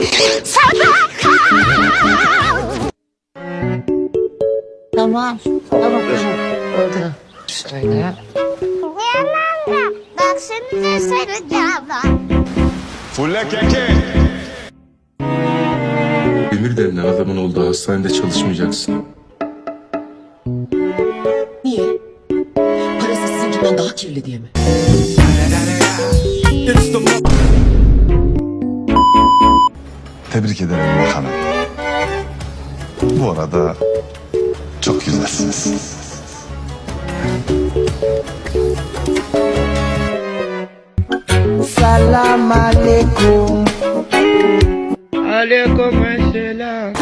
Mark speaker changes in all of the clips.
Speaker 1: Tamam. Oldu. Şöyle.
Speaker 2: Yanımda baksanıza saracağım.
Speaker 3: Fulle keke.
Speaker 4: Demir denilen adamın olduğu hastanede çalışmayacaksın.
Speaker 1: Niye? Parası sizinkinden daha kirli diye mi?
Speaker 3: Tebrik ederim bakanım. Bu arada çok güzelsiniz.
Speaker 5: Salam aleyküm.
Speaker 6: Aleyküm selam.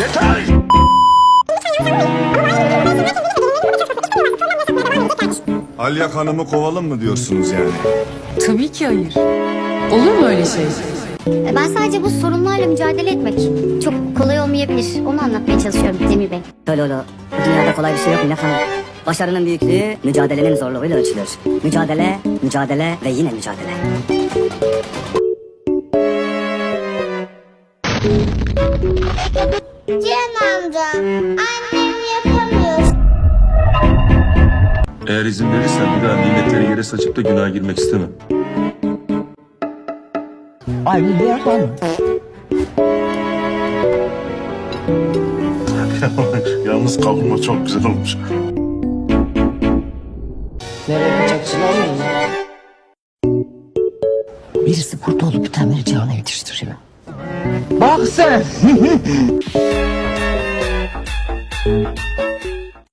Speaker 3: Alya Hanım'ı kovalım mı diyorsunuz yani?
Speaker 7: Tabii ki hayır. Olur mu öyle şey?
Speaker 2: Ben sadece bu sorunlarla mücadele etmek çok kolay olmayabilir. Onu anlatmaya çalışıyorum Demir Bey.
Speaker 8: Öyle öyle. Bu dünyada kolay bir şey yok Melek Hanım. Başarının büyüklüğü mücadelenin zorluğuyla ölçülür. Mücadele, mücadele ve yine mücadele.
Speaker 2: Cihan amca, annem yapamıyor.
Speaker 4: Eğer izin verirsen bir daha nimetleri yere saçıp da günaha girmek istemem.
Speaker 5: Ay bir yapalım.
Speaker 3: Yalnız kavurma çok güzel olmuş.
Speaker 1: Nereye yapacaksın oğlum? Birisi burada olup bir tane Cihan'a yetiştiriyor.
Speaker 5: Bak sen.